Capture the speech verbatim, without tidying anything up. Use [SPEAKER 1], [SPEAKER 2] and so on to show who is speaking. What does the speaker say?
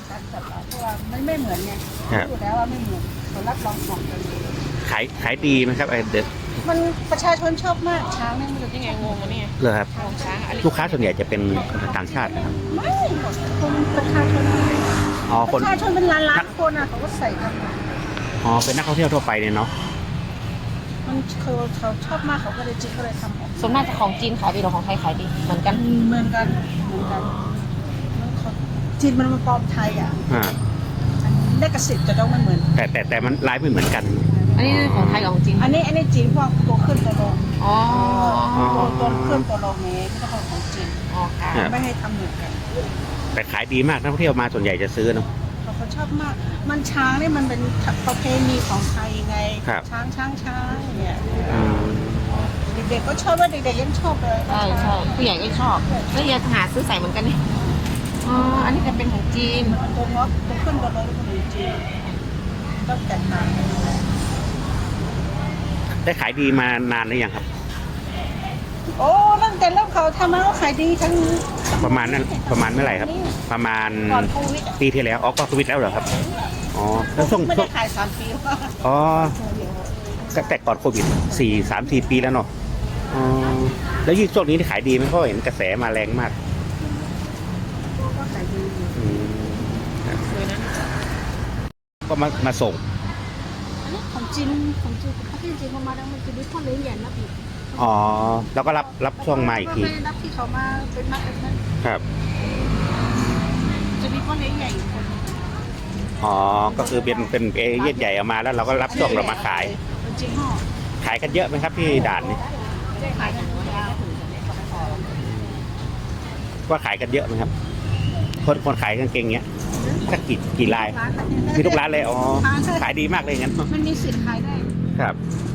[SPEAKER 1] การจัดร้านเพราะว่ามันไม่เหมือนไงดูแล้วว่าไม่เหมือนเขารับรองของกัน
[SPEAKER 2] ขายขายดีไหมครับไอเด็ด
[SPEAKER 1] มันประชาชนชอบมากช้างเนี่ยมันจะ
[SPEAKER 3] นี่ไงงงวะเนี่ย
[SPEAKER 2] เหรอครับ
[SPEAKER 3] งงช้างอะไร
[SPEAKER 2] ลูกค้าส่วนใหญ่จะเป็นต่างชาตินะครับ
[SPEAKER 1] ไม่หมดคนประชาชน
[SPEAKER 2] อ๋อค
[SPEAKER 1] ป
[SPEAKER 2] น
[SPEAKER 1] ระชาชนเป็นล้านล้านคนอ่ะเขาก็ใส่กัน
[SPEAKER 2] อ๋อเป็นนักท่องเที่ยวทั่วไปเนี่ยเนาะ
[SPEAKER 1] มันเขาเขาชอบมากเขาก็เลยจิตก็เลยทำออก
[SPEAKER 3] ส่วนมากจะของจีนขายดีหรือของไทยขายดีเหมือนกัน
[SPEAKER 1] เหมือนกันเหมือนกันมันเขาจีนมันมาปลอมไทยอ่ะ
[SPEAKER 2] อ่า
[SPEAKER 1] เลขสิทธิ์จะต้องไม่เหมือน
[SPEAKER 2] แต่แต่แต่มันลายไม่เหมือนกัน
[SPEAKER 3] อันนี้ของไทยกับของจีน
[SPEAKER 1] อันนี้อันนี้จีนพวกตัวขึ้นตัวลง
[SPEAKER 3] อ๋อ
[SPEAKER 1] ตัวตัวขึ้นตัวลงนี้ไม่ต้องของจีน
[SPEAKER 3] อ๋อค่ะ
[SPEAKER 2] ครับ
[SPEAKER 1] ไม่ให้ทำเหมือนกัน
[SPEAKER 2] แต่ขายดีมากนักท่องเที่ยวมาส่วนใหญ่จะซื้อเนาะ
[SPEAKER 1] เขาเขาชอบมาก มันช้างนี่มันเป็นประเพณีของไทยไง
[SPEAKER 2] ครับ
[SPEAKER 1] ช้างช้างช้างเนี่ย
[SPEAKER 2] อืม
[SPEAKER 1] เด็กๆก็ชอบว่าเด็กๆยังชอบเลย
[SPEAKER 3] ใช่ใช่ผู้ใหญ่ก็ชอบแล้วอยากหาซื้อใส่เหมือนกันนี่อ๋ออันนี้จะเป็นของจีน
[SPEAKER 1] มันตัวงอกตัวขึ้นตัวลงตัวจีนต้องแตกต่างกัน
[SPEAKER 2] ได้ขายดีมานานหรือยังครับ
[SPEAKER 1] โอ้ตั้งแต่เริ่มเขาทำมาก็ขายดีทั้ง
[SPEAKER 2] ประมาณนั้นประมาณเมื่อไหร่ครับ ประมาณ
[SPEAKER 1] ก่อนโควิดอะ
[SPEAKER 2] ปีที่แล้วอ๋อก็โควิดแล้วเหรอครับอ๋อแล้วช่วง
[SPEAKER 1] ไม่
[SPEAKER 2] ช่ว
[SPEAKER 1] ได้
[SPEAKER 2] ง
[SPEAKER 1] ขายสามปีแล้ว
[SPEAKER 2] อ๋อก็แต่ก่อนโควิดสี่สามสี่ปีแล้วเนาะอ๋อแล้วยิ่งช่วงนี้ที่ขายดีไหมเพราะเห็นกระแสมาแรงมาก
[SPEAKER 1] ก็ขายดีอยู่
[SPEAKER 2] อืม
[SPEAKER 3] สวยนะ
[SPEAKER 2] ก็มามาส่ง
[SPEAKER 1] อันนี้ของจีนของจีนประเทศจีนเขามาแล้วมันจะมีพ่อเลี้ยงใหญ่นับอีก
[SPEAKER 2] อ๋อแล้วก็รับรับช่วงมาอีกที
[SPEAKER 1] ไม่ได้นับที่เขามาเป็นนักแบบนั้น
[SPEAKER 2] ครับ
[SPEAKER 1] จะมีพ่อเลี้ยงใหญ่อีกคนหนึ่ง
[SPEAKER 2] อ๋อก็คือเป็นเป็นเอเย่นใหญ่เอามาแล้วเราก็รับช่วงเรามาขาย
[SPEAKER 1] เป็นจีนห่อ
[SPEAKER 2] ขายกันเยอะไหมครับที่ด่านนี้
[SPEAKER 1] ขายกันยาว
[SPEAKER 2] ว่าขายกันเยอะไหมครับ คนคนขายกางเกงเนี้ยสักกี่กี่ลาย
[SPEAKER 1] ร้าน
[SPEAKER 2] มีทุกร้านเลยอ๋อขายดีมากเลยงั้น
[SPEAKER 1] มันมีสิทธิ์ขายได้
[SPEAKER 2] ครับ
[SPEAKER 1] ม